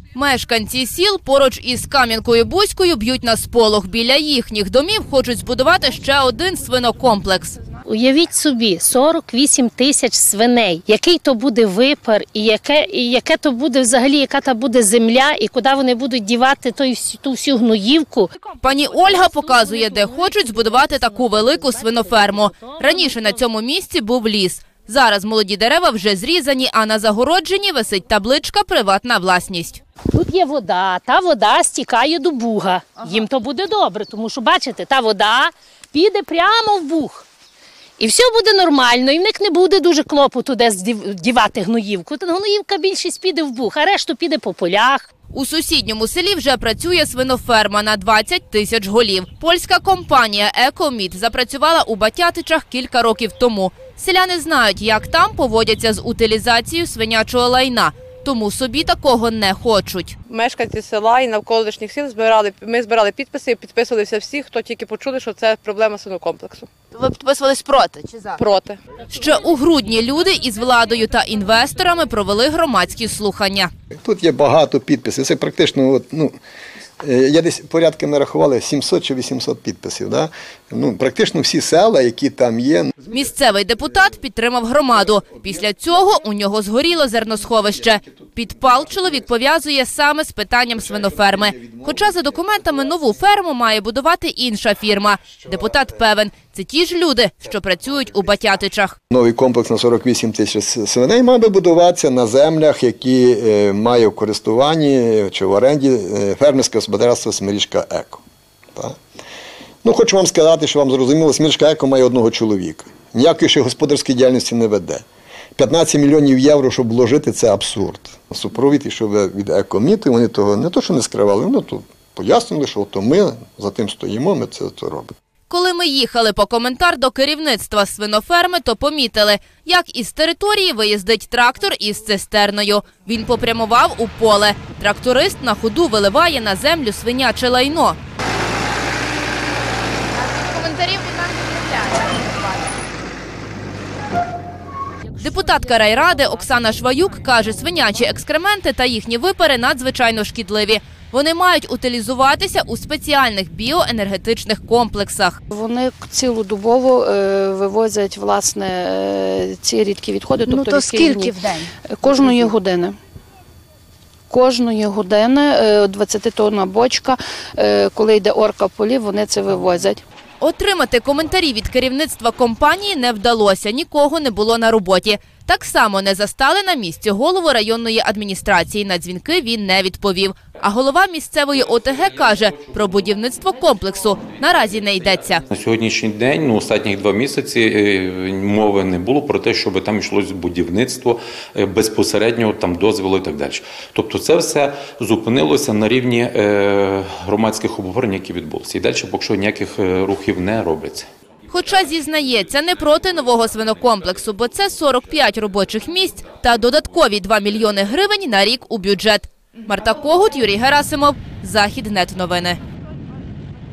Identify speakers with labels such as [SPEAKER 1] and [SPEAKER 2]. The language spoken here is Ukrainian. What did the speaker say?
[SPEAKER 1] Мешканці сіл поруч із Кам'янкою-Бузькою б'ють на сполох. Біля їхніх домів хочуть збудувати ще один свинокомплекс.
[SPEAKER 2] Уявіть собі, 48 тисяч свиней. Який то буде випар, і яке то буде взагалі, яка та буде земля, і куди вони будуть дівати ту всю гноївку.
[SPEAKER 1] Пані Ольга показує, де хочуть збудувати таку велику свиноферму. Раніше на цьому місці був ліс. Зараз молоді дерева вже зрізані, а на загородженні висить табличка «Приватна власність».
[SPEAKER 2] Тут є вода, та вода стікає до Буга. Їм то буде добре, тому що, бачите, та вода піде прямо в Буг. І все буде нормально, і в них не буде дуже клопоту десь дівати гноївку. Та гноївка більшість піде в Буг, а решту піде по полях.
[SPEAKER 1] У сусідньому селі вже працює свиноферма на 20 тисяч голів. Польська компанія «Екоміт» запрацювала у Батятичах кілька років тому. Селяни знають, як там поводяться з утилізацією свинячого лайна. Тому собі такого не хочуть.
[SPEAKER 3] Мешканці села і навколишніх сіл ми збирали підписи і підписувалися всі, хто тільки почули, що це проблема свинокомплексу.
[SPEAKER 1] Ви підписувались проти чи за?
[SPEAKER 3] Проти.
[SPEAKER 1] Ще у грудні люди із владою та інвесторами провели громадські слухання.
[SPEAKER 4] Тут є багато підписів. Це практично, я десь порядки нарахували 700 чи 800 підписів. Да? Практично всі села, які там є.
[SPEAKER 1] Місцевий депутат підтримав громаду. Після цього у нього згоріло зерносховище. Підпал чоловік пов'язує саме з питанням свиноферми. Хоча за документами нову ферму має будувати інша фірма. Депутат певен, це ті ж люди, що працюють у Батятичах.
[SPEAKER 4] Новий комплекс на 48 тисяч свиней має будуватися на землях, які має в користуванні чи в оренді фермерське господарство «Смирічка Еко». Так? Хочу вам сказати, що вам зрозуміло, «Смирічка Еко» має одного чоловіка. Ніякої ще господарської діяльності не веде. 15 мільйонів євро, щоб вложити, це абсурд. Супровід ішов від «Екоміту», вони того не то, що не скривали, вони то пояснили, що ми за тим стоїмо, ми це робимо.
[SPEAKER 1] Коли ми їхали по коментар до керівництва свиноферми, то помітили, як із території виїздить трактор із цистерною. Він попрямував у поле. Тракторист на ходу виливає на землю свиняче лайно. Коментарів від нас не Депутатка райради Оксана Шваюк каже, свинячі екскременти та їхні випари надзвичайно шкідливі. Вони мають утилізуватися у спеціальних біоенергетичних комплексах.
[SPEAKER 5] Вони цілодобово вивозять, власне, ці рідкі відходи.
[SPEAKER 2] То скільки в день?
[SPEAKER 5] Кожної години. Кожної години 20-тонна бочка, коли йде орка в полі, вони це вивозять.
[SPEAKER 1] Отримати коментарі від керівництва компанії не вдалося, нікого не було на роботі. Так само не застали на місці голову районної адміністрації. На дзвінки він не відповів. А голова місцевої ОТГ каже, про будівництво комплексу наразі не йдеться.
[SPEAKER 6] На сьогоднішній день, останні 2 місяці, мови не було про те, щоб там йшлося будівництво, безпосередньо там дозволу і так далі. Тобто це все зупинилося на рівні громадських обговорень, які відбулися. І далі поки що ніяких рухів не робиться.
[SPEAKER 1] Хоча, зізнається, не проти нового свинокомплексу, бо це 45 робочих місць та додаткові 2 мільйони гривень на рік у бюджет. Марта Когут, Юрій Герасимов, Західнет новини.